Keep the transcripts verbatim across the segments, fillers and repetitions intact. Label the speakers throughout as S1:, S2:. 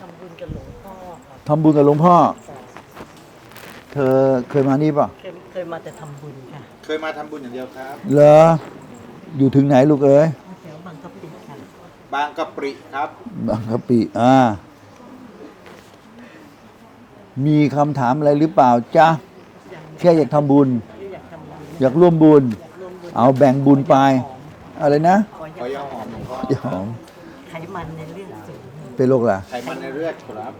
S1: ำบุญกับหลวงพ่อครับ
S2: ทำบุญกับหลวงพ่อ เธอเคยมานี่ป่ะ
S1: เคยเคยมาแต่ทำบุญค่ะ
S3: เคยมาทำบุญอย่างเดียวครับ
S2: เหรออยู่ถึงไหนลูกเอ้ย
S1: แถวบางกะปิค่ะ
S3: บางกะปิครับ
S2: บางกะปิอ่ามีคำถามอะไรหรือเปล่าจ๊ะแค่อยากทำบุญ
S1: อยากทำบุญ
S2: อยากร่วมบุญเอาแบ่งบุญไปอะไรนะ
S3: ขอยาหอมหลวงพ่
S2: อยาหอม
S1: ไขมันในเลือดสูง
S2: เป็นโรคอะไร
S3: ไขมันในเลือดครับ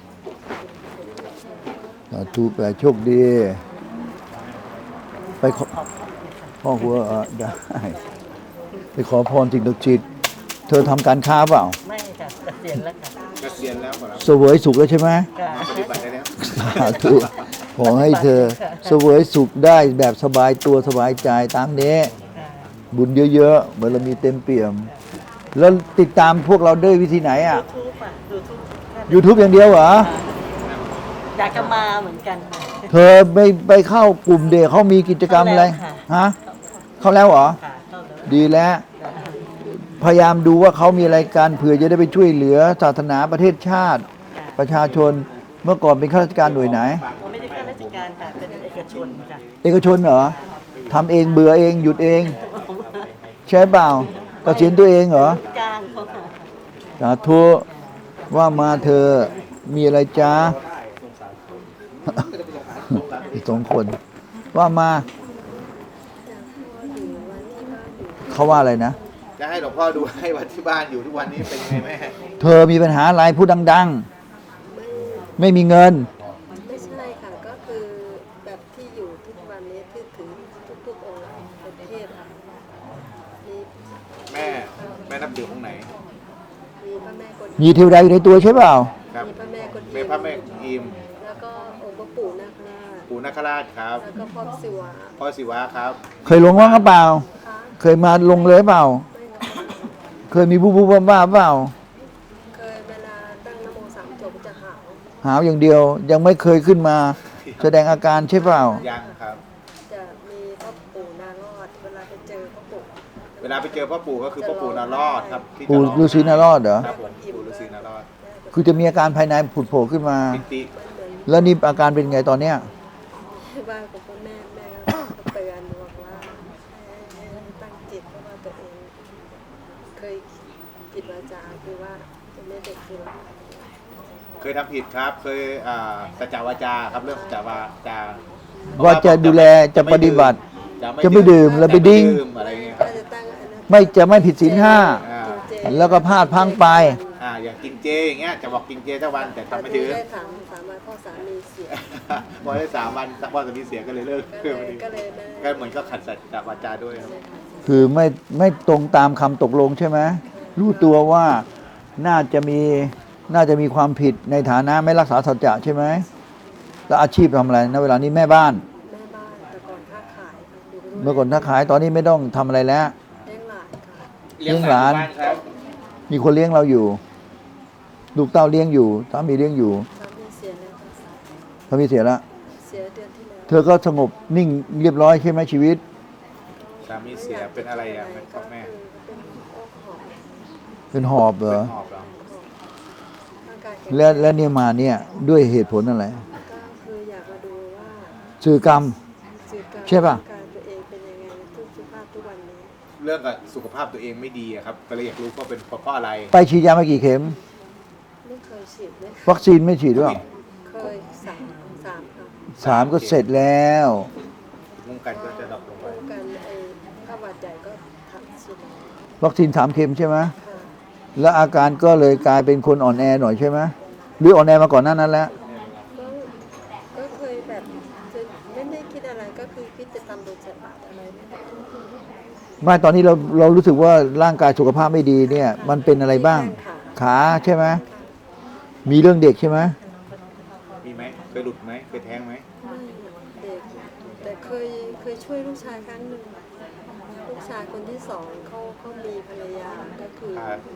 S2: สาธุไปโชคดีไปขอพ่อหัวได้ไปขอพรสิ่งศักดิ์สิทธิ์เธอทำการค้าเปล่า
S1: ไม่ค่ะเกษียณแล้วค่ะ
S3: เกษียณแล้วครับ
S2: เสวยสุขแล้วใช่ไหม
S3: ปฏิบัติได้แล้ว
S2: สาธุขอให้เธอเสวยสุขได้แบบสบายตัวสบายใจตามนี้บุญเยอะๆเหมือนเรามีเต็มเปี่ยมแล้วติดตามพวกเราด้วยวิธีไหนอ่ะ
S1: YouTube อ่ะ YouTube
S2: YouTube อย่างเดียวเหรอ
S1: อยากจะมาเหมือนกัน
S2: เธอไปไปเข้ากลุ่มเด็กเขามีกิจกรรมอะไรฮะเข้าแล้วเหรอดีแล้วพยายามดูว่าเขามีอะไรกันเผื่อจะได้ไปช่วยเหลือศาสนาประเทศชาติประชาชนเมื่อก่อนเป็นข้าราชการหน่วยไหน
S1: ไม่ได้ข้าราชการค่ะเป็นเอกชนค่ะ
S2: เอกชนเหรอทำเองเบื่อเองหยุดเองใช่เปล่าเกษียณตัวเองเหรอ
S1: จ้างเขา
S2: สาธุว่ามาเธอมีอะไรจ้าอีกสองคนว่ามาเขาว่าอะไรนะ
S3: จะให้หลวงพ่อดูให้วัดที่บ้านอยู่ทุกวันนี้เป็นไงแม่
S2: เธอมีปัญหาอะไรพูดดังๆไม่มีเงิน
S4: ไม่ใช่ค่ะก็คือแบบที่อยู่ทุกวันนี้ที่ถือทุกๆองค์ประเทศค่ะมี
S3: แม่แม่นับถือองค์ไหน
S4: มีพระแม่กวน
S2: มีเทวดาอยู่ในตัวใช่เปล่า
S4: มีพระแม่กวน
S3: มีพระแม่อิม
S4: แล้วก็องค์พระปู่นาคราช
S3: ปู่นาคราชครับ
S4: แล้วก็พ่อศิวะ
S3: พ่อศิวะครับ
S2: เคยลงว่างหรือเปล่าเคยมาลงเลยเปล่าเคยมีบูบูบ้าบ้าเปล่า
S4: เคยเวลาตั้งนโมสามจบจะหาว
S2: หาวอย่างเดียวยังไม่เคยขึ้นมาแสดงอาการใช่เปล่า
S3: ยังครับ
S4: จะมีพ่อปู่นารอดเวลาไปเจอพ่อปู่
S3: เวลาไปเจอพ่อปู่ก็คือพ่อปู่นารอดครับ
S2: ปู่ฤาษีนารอดเหรอ
S3: ครับผมปู่ฤาษีนารอด
S2: คือจะมีอาการภายในผุดโผล่ขึ้นมาแล้วนี่อาการเป็นไงตอนเนี้ย
S4: บ้านของพ่อแม่แม่ก็เตือนบอกว่าให้ตั้งจิตเพราะว่าตัวเองเคยผิดวาจาคือว่าจะไม่เด็กคือ
S3: เคยทำผิดครับเคยสัจจวาจาครับเรื่องสัจจวาจา
S2: ว่าจะดูแลจะปฏิบัติจะไม่ดื่มแล้วไปดิ้ง
S3: อะไรเงี้ย
S2: ไม่จะไม่ผิดศีลห้าแล้วก็พลาดพังไป
S3: อ่าอย่างกินเจอย่างเงี้ยจะบอกกินเจทุกวันแต่ทำไม่ถึง
S4: ได้สามสามวันพ่อสามีเสีย
S3: พอได้สามวันพ่อสามีเสียก็เลยเลิก
S4: ก็เลย
S3: ก็เหมือนก็ขัดสัจจวาจาด้วยครับ
S2: คือไม่ไม่ตรงตามคำตกลงใช่ไหมรู้ตัวว่าน่าจะมีน่าจะมีความผิดในฐานะไม่รักษาสัจจะใช่ไหมแล้วอาชีพทำอะไรณเวลานี้แม่บ้าน
S4: แม่บ้านแต่ก่อนค้าขาย
S2: เมื่อก่อนค้าขายตอนนี้ไม่ต้องทำอะไรแล้ว
S4: เลี้ยงหลานค่ะ
S2: เลี้ยงหลานมีคนเลี้ยงเราอยู่ลูกเต้าเลี้ยงอยู่สามีเลี้ยงอยู่
S4: สามีเสียแล้ว
S2: สามีเสียแล้ว
S4: เสียเดือนที่แล้ว
S2: เธอก็สงบนิ่งเรียบร้อยใช่ไหมชีวิต
S3: สามีเสียเป็นอะไรอ่ะพ่อแม่
S2: เป็นหอบเหรอและและเนี่ยมาเนี่ยด้วยเหตุผลอะไร
S4: ก็คืออยากมาดูว่า
S2: สื่อกรรมใช่ป่ะ
S4: การตัวเองเป็นยังไงทุกสุขภาพทุกวันนี้
S3: เรื่องกับสุขภาพตัวเองไม่ดีครับก็เลยอยากรู้ว่าเป็นเพราะอะไร
S2: ไปฉีดยามากี่เข็ม
S4: ไม่เคยฉีดเลย
S2: วัคซีนไม่ฉีดหรือเปล่า
S4: เคยสามสามครับ
S2: สามก็เสร็จแล้ว
S3: ป้องกันก็จะดรอปลงไป
S4: ป้องกันไอ้ข้าวหวัดใหญ่ก็ทำฉีด
S2: วัคซีนสามเข็มใช่ไหมแล้วอาการก็เลยกลายเป็นคนอ่อนแอหน่อยใช่ไหมหรืออ่อนแอมาก่อนหน้านั้นแล้ว
S4: ก็ก็เคยแบบไม่ได้คิดอะไรก็คือคิดจะทำโดยฉลาดอะไร
S2: ไม่ตอนนี้เราเรารู้สึกว่าร่างกายสุขภาพไม่ดีเนี่ยมันเป็นอะไรบ้างขาใช่ไหมมีเรื่องเด็กใช่ไหม
S3: มีไหมเคยหลุดไหมเคยแท้งไหม
S4: ไม่เด็กแต่เคยเคยช่วยลูกชายครั้งหนึ่งลูกชายคนที่สองเขาเขามีภรรยาก็คือ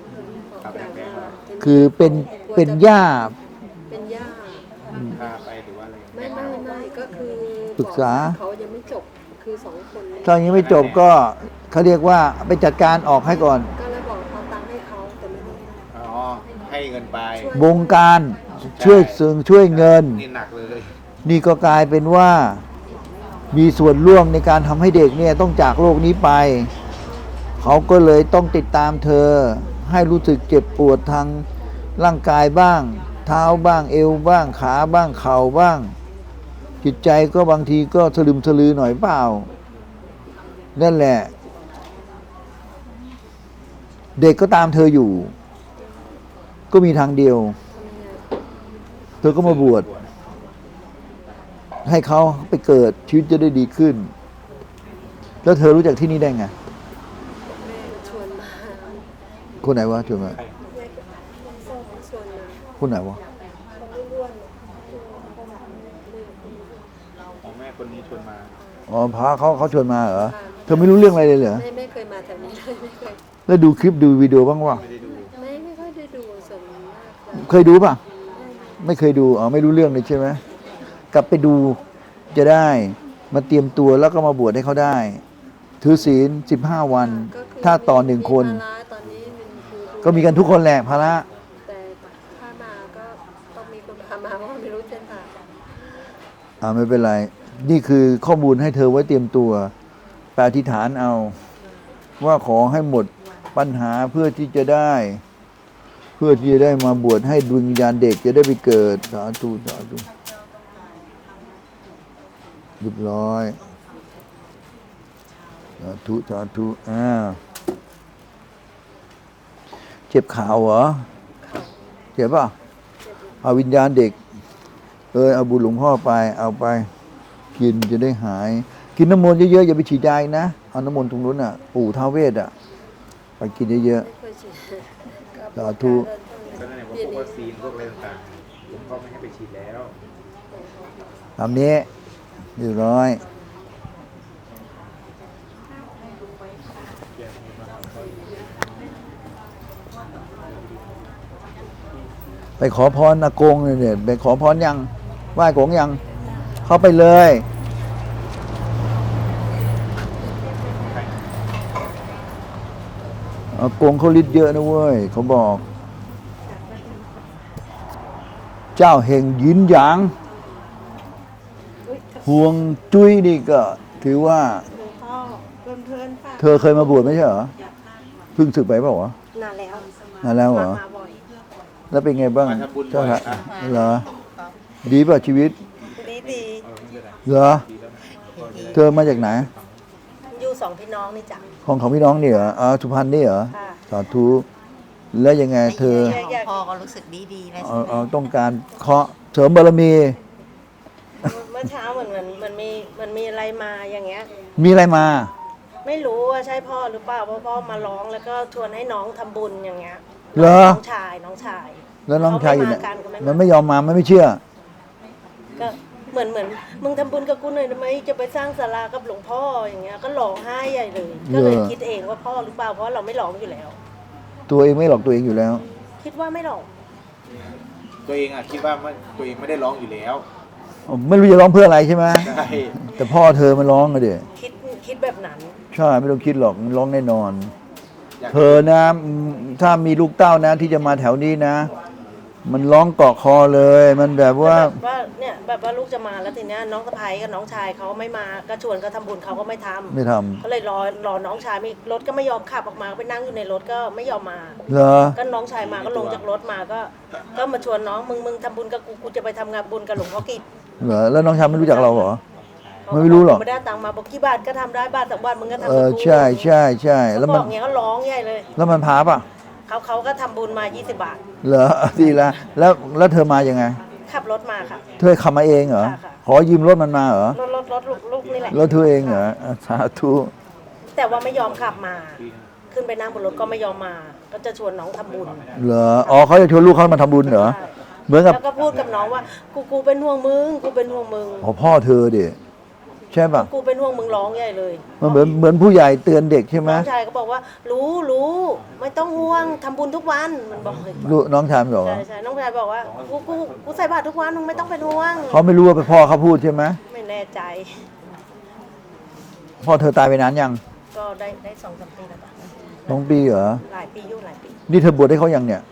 S2: คือเป็นเป็นย่า
S4: เป็นย่า
S3: พาไปหรือว่าอะไร
S4: ไม่ไม่ไม่ก็คือ
S2: ปรึกษา
S4: เขายังไม่จบคือสองคน
S2: ตอนยังไม่จบก็เขาเรียกว่าไปจัดการออกให้ก่อน
S4: ก็เลยบอกเอาตังค์ให้เขาแต่ไม่ได้
S3: อ๋อให้เงินไป
S2: บงการช่วยสึงช่วยเงิน
S3: นี่หนักเลย
S2: นี่ก็กลายเป็นว่ามีส่วนร่วมในการทำให้เด็กเนี่ยต้องจากโลกนี้ไป เขาก็เลยต้องติดตามเธอ ให้รู้สึกเจ็บปวดทางร่างกายบ้าง เท้าบ้างเอวบ้างขาบ้างเข่าบ้าง จิตใจก็บางทีก็สลึมสลือหน่อยเปล่า นั่นแหละ เด็กก็ตามเธออยู่ ก็มีทางเดียว เธอก็มาบวชให้เขาไปเกิดชีวิตจะได้ดีขึ้น แล้วเธอรู้จักที่นี่ได้ไง
S4: แม่ชวนมา
S2: คนไหนวะชวนมา
S4: แม่ก็ส้มชวนมา
S2: คนไหนวะ
S4: เขาไม่ร่วน
S3: ของแม่คนนี้ชวนมา
S2: อ๋อพระเขาเขาชวนมาเหรอ เธอไม่รู้เรื่องอะไรเลยเหรอ
S4: ไม่ไม่เคยมาแถวนี้เลยไม่เคย
S2: แล้วดูคลิปดูวิดีโอบ้างวะ
S3: ไม่ได้ดู
S4: ไม่ไม่ค่อยได้ดูส่วนมากจะ
S2: เคยดูป่ะ ไม่เคยดูอ๋อไม่รู้เรื่องเลยใช่ไหมกลับไปดูจะได้มาเตรียมตัวแล้วก็มาบวชให้เขาได้ ถือศีลสิบห้าวัน
S4: ก็คือ
S2: ถ้าต่อหนึ่งคน
S4: มีภาระตอนนี้มันคือ
S2: ก็มีกันทุกคนแหละภาระ
S4: แต่ถ้ามาก็ต้องมีคนพามาเพราะว่าไม่รู้เส้นทาง
S2: อ่าไม่เป็นไร นี่คือข้อมูลให้เธอไว้เตรียมตัวแปลอธิษฐานเอา ว่าขอให้หมดปัญหาเพื่อที่จะได้ เพื่อที่จะได้มาบวชให้ดวงวิญญาณเด็กจะได้ไปเกิดสาธุสาธุเรียบร้อยสาธุสาธุอ่าเจ็บข่าวเหรอเจ็บป่ะเอาวิญญาณเด็กเออเอาบุญหลวงพ่อไปเอาไปกินจะได้หาย กินน้ำมนต์เยอะๆอย่าไปฉีดยาอีกนะเอาน้ำมนต์ตรงนู้นอ่ะปู่ท้าวเวสอ่ะไปกินเยอะ
S4: ไม่เคยฉีด
S2: สาธุ
S3: ก็นั่นแหละพวกวัคซีนพวกอะไรต่างๆผมก็ไม่ให้ไปฉีดแล้ว
S2: ๆตามนี้เรียบร้อยไปขอพรอากงเนี่ยเนี่ยไปขอพรยังไหว้กงยัง เข้าไปเลยอากงเขาฤทธิ์เยอะนะเว้ยเขาบอก เจ้าเฮงยินหยางห่วงจุ้ยนี่ก็ ถือว่า
S4: พ่อเพื่อนๆค่ะ
S2: เธอเคยมาบวชไม่ใช่เหรอเพิ่งศึกไปเปล่าวะ
S4: นานแล้ว
S2: นานแล้วเหรอ
S4: มาบ่อย
S2: แล้วเป็นไงบ้าง
S3: มาทำบุญบ่
S2: เจ้า
S3: อย
S2: ค่ะ
S3: ครับ
S2: เหรอ ดีป่ะชีวิต
S4: ดีดี
S3: เออไม่เป็นไร
S2: เหรอ
S3: ดีแล้วก็จะได้
S2: เธอมาจากไหน
S4: อยู่สองพี่น้องนี่จ้ะ
S2: ของของพี่น้องนี่เหรออ๋อสุพรรณนี่เหรอ
S4: ค่ะ
S2: สาธุแล้วยังไงเธอ
S5: ของพ่อก็รู้สึกดีดีๆนะ
S2: เอาเอาต้องการเคาะเสริมบารมี
S6: เมื่อเช้าเหมือนเหมือนมันมีมันมีอะไรมาอย่างเงี้ย
S2: มีอะไรมา
S6: ไม่รู้ว่าใช่พ่อหรือเปล่าเพราะพ่อมาร้องแล้วก็ชวนให้น้องทำบุญอย่างเงี้ย
S2: เหรอ
S6: น้องชายน้องชาย
S2: แล้วน้องชายอยู่ไหน
S6: เขาไม่มากันเขาไม่มา
S2: มันไม่ยอมมามันไม่เชื่อ
S6: ก็เหมือนเหมือนมึงทำบุญกับกูหน่อยได้ไหมจะไปสร้างศาลากับหลวงพ่ออย่างเงี้ยก็ร้องไห้ใหญ่เลย ก็เลย
S2: เหรอ
S6: คิดเองว่าพ่อหรือเปล่าเพราะเราไม่ร้องอยู่แล้ว
S2: ตัวเองไม่หลอกตัวเองอยู่แล้ว
S6: คิดว่าไม่ร้อง
S3: ตัวเองอ่ะคิดว่ามันตัวเองไม่ได้ร้องอยู่แล้ว
S2: ไม่รู้จะร้องเพื่ออะไรใช่ไหม
S3: ใช่
S2: แต่พ่อเธอมันร้องอะเดี๋ย
S6: คิดคิดแบบนั้น
S2: ใช่ไม่ต้องคิดหรอกมันร้องแน่นอน
S3: อยาก
S2: เธอนะอืมถ้ามีลูกเต้านะที่จะมาแถวนี้นะ มันร้องเกาะคอเลย มันแบบว่า
S6: แบบว่าเนี่ยแบบว่าลูกจะมาแล้วทีเนี้ยน้องสะพ้ายกับน้องชายเขาไม่มาก็ชวนเขาทำบุญเขาก็ไม่ทำ
S2: ไม่ทำ
S6: ก็เลยรอรอน้องชายมีรถก็ไม่ยอมขับออกมาไปนั่งอยู่ในรถก็ไม่ยอมมา
S2: เหรอ
S6: ก็น้องชายมาก็ลงจากรถมาก็ ก็มาชวนน้องมึงมึงทำบุญกับกูกูจะไปทำงานบุญกับหลวงพ่อกิจ
S2: เหรอแล้วน้องชายไม่รู้จักเราเหรอ ไม่รู้หรอก
S6: ไม่ได้ตังค์มาบอกกี่บาทก็ทำได้บาทสองบาทมึงก็ทำ
S2: เอ
S6: กับ
S2: อ
S6: กู
S2: ใช่ใช่ใช่แล้
S6: แล้ว ว
S2: มัน
S6: บอกเงี้ยก็ร้องใหญ่เลย
S2: แล้วมันพาป่ะ
S6: เขาเขาก็ทำบุญมายี่สิบบาท
S2: เหรอ ดีละแล้วแล้วเธอมายังไง
S6: ขับรถมาค่ะ
S2: เธอขับมาเองเหรอ
S6: ค่ะค่ะ
S2: ขอยืมรถมันมาเหรอ
S6: รถรถรถลูกลูกนี่แหละ
S2: รถเธอเองเหรออ่ะสาธุ
S6: แต่ว่าไม่ยอมขับมา ขึ้นไปนั่งบนรถก็ไม่ยอมมา ก็จะชวนน้องทำบุญ
S2: เหรออ๋อเขาจะชวนลูกเขามาทำบุญเหรอ
S6: ใช่
S2: เหมือนกับ
S6: แล้วก็พูดกับน้องว่ากูกูเป็นห่วงมึงกูเป็นห่วงมึง
S2: อ๋อพ่อเธอดิใช่ป่ะ
S6: กูเป็นห่วงมึงร้องใหญ่เลย
S2: มันเหมือนเหมือนผู้ใหญ่เตือนเด็กใช่ไหม
S6: น้องชายก็บอกว่า รู้รู้ไม่ต้องห่วงทำบุญทุกวันมันบอกเลย
S2: ลูกน้องชายมันบอก
S6: ใช่
S2: ว่า
S6: ใช่น้องชายบอกว่ากูกูกูใส่บาตรทุกวันมึงไม่ต้องเป็นห่วง
S2: เขาไม่รู้ว่าเป็นพ่อเขาพูดใช่ไหม
S6: ไม่แน่ใจ
S2: พ่อเธอตายไปนานยัง
S6: ก็ได้ได้สองสามปีแล้วปะ
S2: สองปีเหรอ
S6: หลายปีอยู่หลายปี
S2: นี่เธอบวชให้เขายังเนี่ย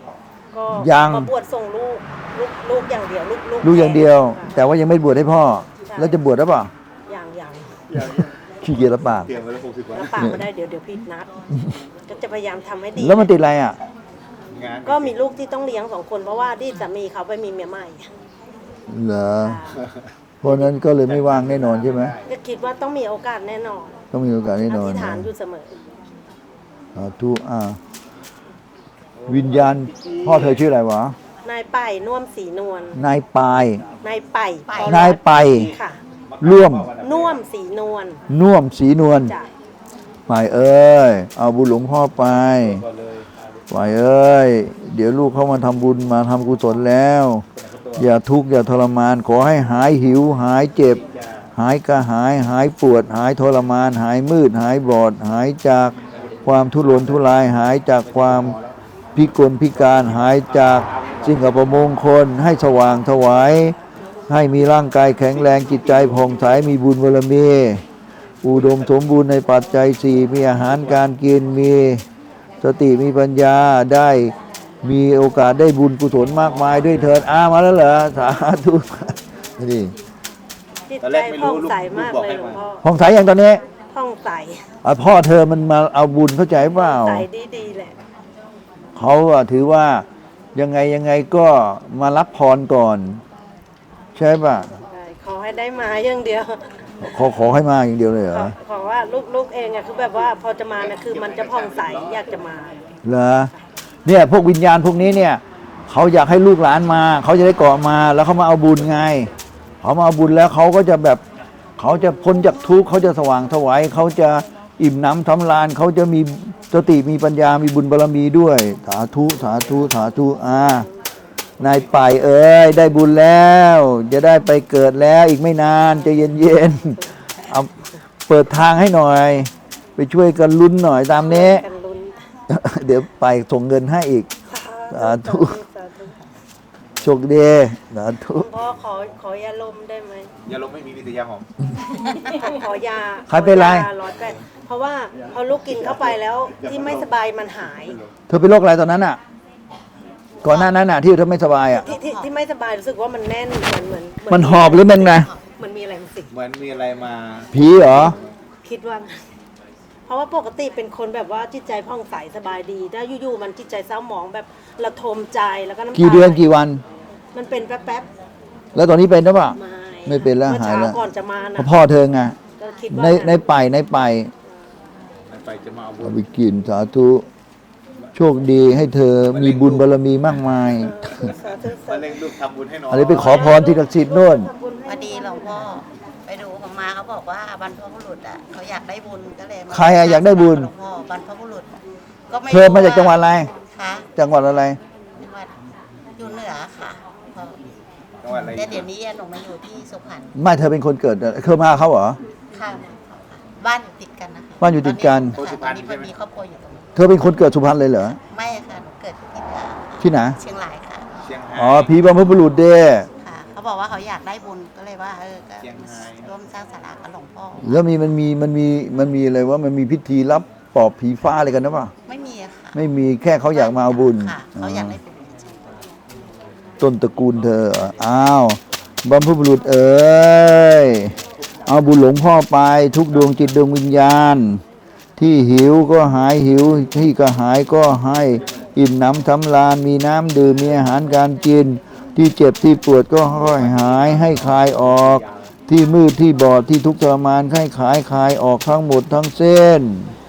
S6: ก็
S2: ยัง
S6: มาบวชส่งลูกลูกลูกอย่างเดียวลูก
S2: ลูกอย่างเดียว
S6: ค่ะ
S2: แต่ว่ายังไม่บวชให้พ่อ แล้วจะบวชหรือเปล่า
S6: อย่างอย่าง
S3: อย่าง
S2: ขี้เกียจรับปาก
S3: เตรียมไว้แล้วหกสิบวัน
S6: แล้วปากไม่ได้เดี๋ยวเดี๋ยวผิดนัด ก็จะพยายามทำให้ดี
S2: แล้วมันติดอะไรอ่ะ
S3: งาน
S6: ก็มีลูกที่ต้องเลี้ยงสองคนเพราะว่าที่สามีเขาไปมีเมียใหม่
S2: เหรอเพราะนั้นก็เลยไม่ว่างแน่นอนใช่ไหม
S6: ก็คิดว่าต้องมีโอกาสแน่นอน
S2: ต้องมีโอกาสแน่น
S6: อ
S2: อน
S6: ธิษฐา
S2: นะ
S6: นอยู่เสมอ
S2: สาธุอ่าวิญญาณ พ่อเธอชื่ออะไรวะ
S6: นายป่ายน่วมสีนวล
S2: นายปาย
S6: นายป่าย
S2: นายไป
S6: ค่ะ
S2: ร่วม
S6: น่วมสีนวล
S2: น่วมสีนวล
S6: จ้ะ
S2: ไปเอ้ย เอาบุญหลวงพ่อไปไปเอ้ย เดี๋ยวลูกเขามาทำบุญมาทำกุศลแล้ว อย่าทุกข์อย่าทรมาน ขอให้หายหิว หายเจ็บ หายกระหาย หายปวด หายทรมาน หายมืด หายบอด หายจากความทุรนทุราย หายจากความพิกลพิการ หายจากสิ่งอัปมงคล ให้สว่างถวาย ให้มีร่างกายแข็งแรงจิตใจผ่องใสมีบุญบารมี อุดมสมบูรณ์ในปัจจัยสี่มีอาหารการกินมีสติมีปัญญาได้มีโอกาสได้บุญกุศลมากมายด้วยเถิดอามาแล้วเหรอสาธุนี่
S6: จิต
S3: ตอน
S6: ใจ
S3: แรกไม่
S6: ผ่
S3: รู้
S6: อง
S3: ลูก
S6: ใส
S3: ลูก
S6: มาก
S3: บอก
S6: เลย
S3: ให้
S6: หลวง
S3: มา
S6: พ่อ
S2: ผ่องใสอย่างตอนนี้
S6: ผ่องใส
S2: อ่ะพ่อเธอมันมาเอาบุญเข้าใจเปล่า
S6: ใสดีๆแหละ
S2: เขาอะถือว่ายังไงยังไงก็มารับพรก่อน ใช่ป่ะ
S6: ใช่ขอให้ได้มาอย่างเดียว
S2: ขอขอให้มาอย่างเดียวเลยเหร
S6: ขอ
S2: อ
S6: ขอว่าลูกๆเองอะคือแบบว่าพอจะมาเนี่ยคือมันจะผ่องใสอยากจะมา
S2: เหรอเนี่ยพวกวิญญาณพวกนี้เนี่ยเขาอยากให้ลูกหลานมาเขาจะได้เกาะมาแล้วเขามาเอาบุญไงเขามาเอาบุญแล้วเขาก็จะแบบเขาจะพ้นจากทุกข์เขาจะสว่างไสวเขาจะอิ่มหน้ำทำลานเขาจะมีสติมีปัญญามีบุญบารมีด้วยสาธุสาธุสาธุอ่านายป่ายเอ้ยได้บุญแล้ว จะได้ไปเกิดแล้วอีกไม่นานใจะเย็นๆเอาเปิดทางให้หน่อย ไปช่วยกันลุ้นหน่อยตามนี้
S6: กันลุ้น
S2: เดี๋ยวไปส่งเงินให้อีก สาธุ
S6: สาธุ
S2: โชคดีสาธุ
S6: พ่อขอขอยาลมได้ไหม
S3: ยาลมไม่มีวิทยาหอม
S6: ขอยา
S2: ใครเป็นไร
S6: ขอยาร้อยแปดเพราะว่าพอลูกกินเข้าไปแล้วที่ไม่สบายมันหาย
S2: เธอเป็นโรคอะไรตอนนั้นอ่ะ ก่อนหน้านั้นอ่ะ ที่เธอไม่สบายอ่ะ
S6: ที่ที่ที่ไม่สบายรู้สึกว่ามันแน่นเหมือนเหมือนเ
S2: มันหอบหรือมันไง
S6: เหมันมีอะไรมาสิง
S3: เหมือนมีอะไรมา
S2: ผีเหรอ
S6: คิดว่า เพราะว่าปกติเป็นคนแบบว่าจิตใจผ่องใสสบายดีถ้าอยู่ๆมันจิตใจเศร้าหมองแบบระทมใจแล้วก็น้ำตา
S2: กี่เดือนกี่วัน
S6: มันเป็นแป๊บ
S2: แล้วตอนนี้เป็นหรือเปล่า
S6: ๆไม่
S2: ไม่เป็นแล้ว
S6: มื่อ
S2: หาย
S6: เช้า
S2: แล้ว
S6: ก่อนจะมา
S2: เพ
S6: นะ
S2: ราะพ่อเธอไง
S6: ก็คิดว่า
S2: ในในไปในไป
S3: ไปจะมาเอาบุ
S2: เอา
S3: ญ
S2: ไปกินสาธุโชคดีให้เธอมีบุญบารมีมากมาย
S6: สาธุสา
S3: มา
S6: ธุ
S3: เล่งลูกทำบุญให้น้อง
S2: อะไรไปขอพรที่ศักดิ์สิทธิ์โน่น
S6: ทำบุญ
S5: พ
S6: ให้
S5: อดีหลวงพ่อไปดูของมาเขาบอกว่าบรรพบุรุษอ่ะเขาอยากได้บุญก็เลยมา
S2: ใครอะอยากได้บุญ
S5: หลวงพ่อบรรพบุรุษก็ไม่
S2: เธอมาจากจังหวัดอะไร
S5: คะ
S2: จังหวัดอะไร
S5: จังหวัดอยู่เหนือค่ะพ่อ
S3: จังหวัดอะไร
S5: แต่เดี๋ยวนี้หนูมาอยู่ที่สุพรรณ
S2: ไม่เธอเป็นคนเกิดเธอมาเขาเหรอ
S5: ค่ะบ้านอยู่ติดกันนะคะ
S2: บ้านอยู่ติดกัน
S5: ตอนนี้ค่ะตอนนี้พอมีครอบครัวอยู่ตรงนี้
S2: เธอเป็นคนเกิดสุพรรณเลยเหรอ
S5: ไม่ค่ะหนูเกิดที่ลาว
S2: ที่ไหน
S5: เชียงรายค่ะ
S3: เชียงราย
S2: อ๋อผีบรรพบุรุษเด้
S5: ค่ะเขาบอกว่าเขาอยากได้บุญก็เลยว่าเออก็
S3: เชียงราย
S5: ร่วมสร้างศาลากับหลวงพ่อ
S2: แล้วมีมันมีมันมีมันมีอะไรว่ามันมีพิธีรับปอบผีฟ้าอะไรกันนะป่ะ
S5: ไม่มีอะค่ะ
S2: ไม่มีแค่เขาอยากมาเอาบุญ
S5: ค่ะเขาอยากได้บุญเฉย
S2: ต้นตระกูลเธออ้าวบรรพบุรุษเอ๋ยเอาบุญหลวงพ่อไปทุกดวงจิตดวงวิญญาณ ที่หิวก็หายหิว ที่กระหายก็ให้อิ่มหน้ำสำราญมีน้ำดื่มมีอาหารการกิน ที่เจ็บที่ปวดก็ค่อยหายให้คลายออก ที่มืดที่บอดที่ทุกข์ทรมานให้ขายคลายออกทั้งหมดทั้งเส้น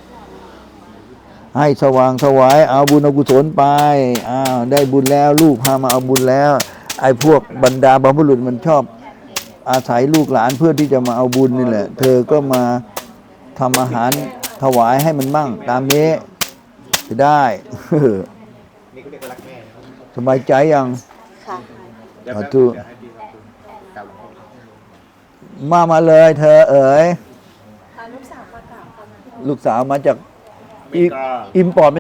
S2: ให้สว่างถวายเอาบุญเอากุศลไปอ้าวได้บุญแล้วลูกพามาเอาบุญแล้ว ไอ้พวกบรรดาบรรพบุรุษมันชอบอาศัยลูกหลานเพื่อที่จะมาเอาบุญนี่แหละ เธอก็มาทำอาหารถวายให้มันมั่งตามนี้จะได้
S3: นี่เขาเรียกว่ารักแม่นะครับ
S2: สบายใจยัง
S6: ค่ะ
S3: เดี๋ยว
S2: สา
S3: แป๊บ
S2: ธุ
S3: เดี๋ยวให้พี่ทำบุญกราบหลวงพ่อ
S2: มามาเลยเธอเอ๋ยลูกสาวมาจาก
S3: อเมริกา
S2: อิมพอร์ต